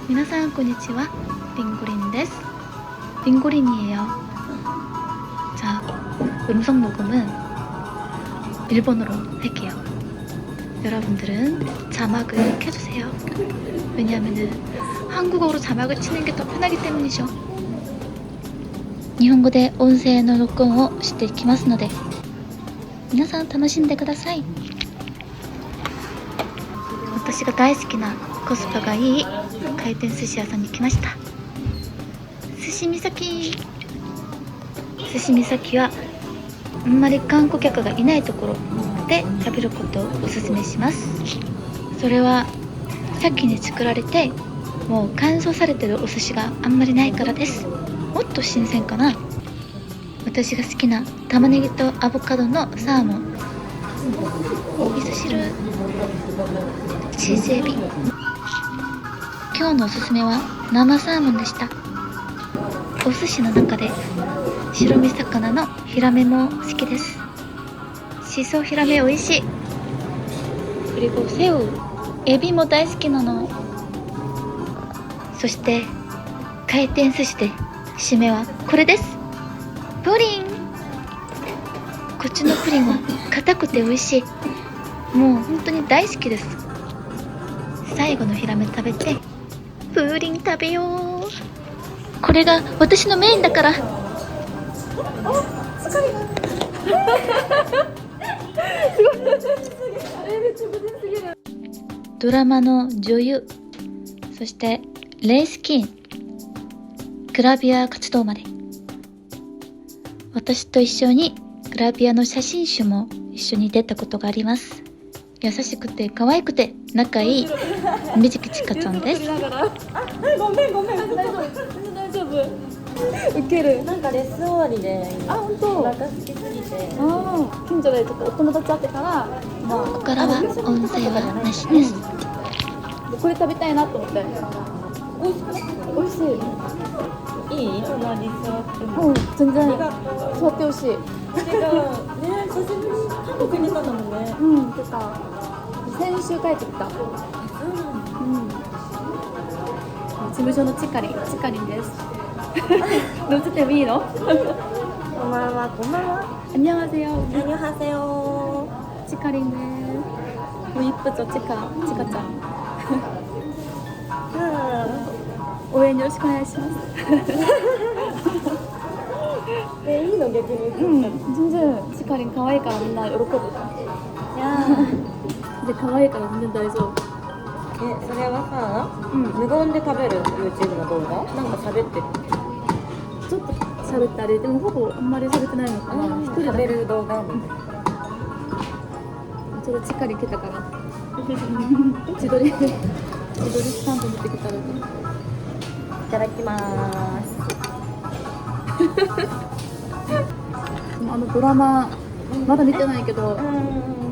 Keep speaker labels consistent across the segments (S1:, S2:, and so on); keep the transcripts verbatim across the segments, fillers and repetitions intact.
S1: 皆さんこんにちは. 링고린です. 링고린이에요. 자, 음성 녹음은 일본어로 할게요. 여러분들은 자막을 켜주세요. 왜냐하면은 한국어로 자막을 치는 게 더 편하기 때문이죠. 日本語で音声の録音をしていきますので、皆さん楽しんでください。私が大好きなコスパがいい回転寿司屋さんに来ました。寿司みさき。寿司みさきはあんまり観光客がいないところで食べることをおすすめします。それは先に作られてもう乾燥されてるお寿司があんまりないからです。もっと新鮮かな。私が好きな玉ねぎとアボカドのサーモン、お味噌汁、チーズエビ。今日のおすすめは生サーモンでした。お寿司の中で白身魚のヒラメも好きです。しそヒラメ美味しい。그리고 새우、エビも大好きなの。そして回転寿司で締めはこれです。プリン。こっちのプリンは硬くて美味しい。もう本当に大好きです。最後のヒラメ食べてプリン食べよう。これが私のメインだから。ドラマの女優、そしてレースキン、グラビア活動まで。私と一緒にグラビアの写真集も一緒に出たことがあります。優しくて可愛くて仲いい水木千佳ちゃんです。
S2: あ、ごめんごめん、大丈夫大丈夫。ウケる。なんかレッスン終わりで、あ、本当。お腹空きすぎて、あ、近所でちょっとお友達会ってから、まあ、
S1: ここからは音声はなしです。
S2: これ食べたいなと思って。美味しくない？美味しい。いい？その味座っても。うん、全然。座ってほしい。てか、ね、久しぶりに韓国にいたんだもんね。うん、てか、先週帰ってきた。うん。事務所のチカリン、チカリンです。乗せてもいいの？こんばんは、こんばんは。こんにちは。こんにちは。チカリンです。もう一歩とチカ、チカちゃん。応援よろしくお願いします。え、いいの逆に。うん、全然チカリン可愛いからみんな喜ぶ。いやで可愛いからみんな大丈夫。え、それはさ、うん、無言で食べる YouTube の動画？なんか喋ってる？ちょっと喋ったり、でもほぼあんまり喋ってないのかな。一人食べる動画みたいな。ちょっとチカリン来たから。自撮り自撮りスタンプ持ってきたらと。いただきまーす。あのドラマまだ見てないけど、うん、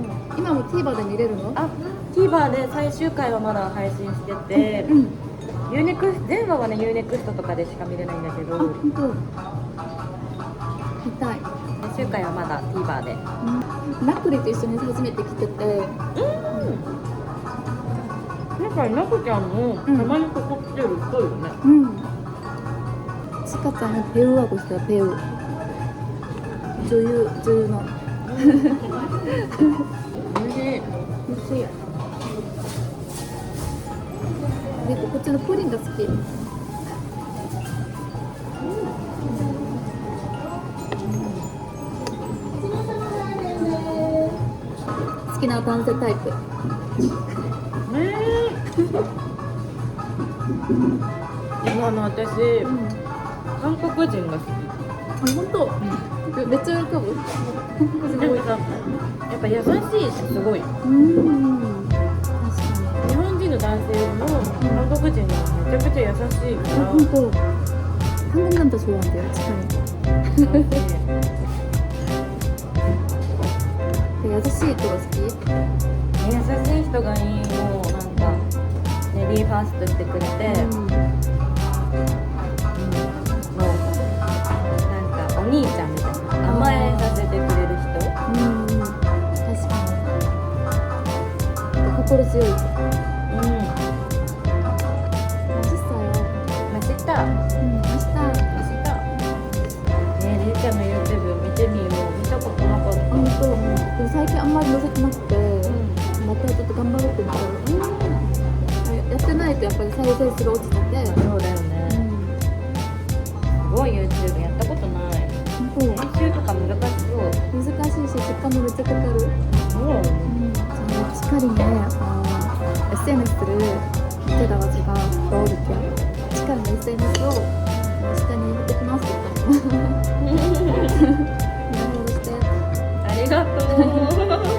S2: 今も TVer で見れるの？あ、TVer で最終回はまだ配信してて、うん、ユーネクスト、全話はね ユーネクストとかでしか見れないんだけど、あ、本当。見たい。最終回はまだ TVer で。うん、ナクリと一緒に初めて来てて、うん。なんかナクちゃんもたまにここ来てるっぽいよね。うん。チカちゃんのペウワゴしたペウ。女優、女優の。おいしい。おいしい。で、こっちのプリンが好き。好きな男性タイプ。今の私、うん、韓国人が好き。あ、本当？うん、めっちゃ喜ぶ。でもさ、やっぱ優しいしすごい。うん。確かに。日本人の男性も韓国人がめちゃくちゃ優しいから。本当。韓国なんてそうなんだよ。確かに。優しい人が好き？優しい人がいいの。なんかレディーファーストしてくれて、うん、もうなんかお兄ちゃんみたいな甘えさせてくれる人。うん、確かに。心強い。うん。じゅっさい生成が落ちてて、
S3: そうだよね。すごい YouTube やったことない。
S2: そう
S3: 編集とか難しそう。
S2: 難しいし時間もめっちゃかかる。
S3: そう。
S2: しっかりね、あ エスエヌエス를 밑에다가 제가 넣어둘게요.しっかりね エスエヌエスを下に貼ってきますって言ったの。フォローして。
S3: ありがとう。